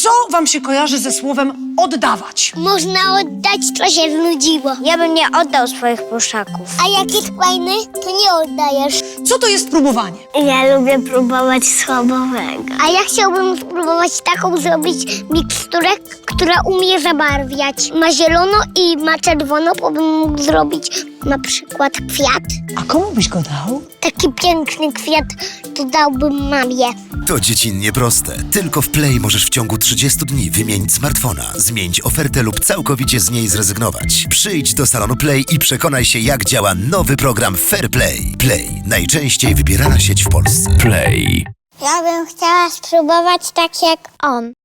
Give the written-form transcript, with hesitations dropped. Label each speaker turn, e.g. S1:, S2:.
S1: Co wam się kojarzy ze słowem oddawać?
S2: Można oddać, to się znudziło. Ja bym nie oddał swoich pluszaków. A jak jest fajny, to nie oddajesz.
S1: Co to jest próbowanie?
S2: Ja lubię próbować schabowego. A ja chciałbym spróbować taką zrobić miksturę, która umie zabarwiać. Ma zielono i ma czerwono, bo bym mógł zrobić na przykład kwiat.
S1: A komu byś go dał?
S2: Taki piękny kwiat to dałbym mamie.
S3: To dziecinnie proste. Tylko w Play możesz w ciągu 30 dni wymienić smartfona, zmienić ofertę lub całkowicie z niej zrezygnować. Przyjdź do salonu Play i przekonaj się, jak działa nowy program Fair Play. Play. Najczęściej wybierana sieć w Polsce.
S4: Play.
S2: Ja bym chciała spróbować tak jak on.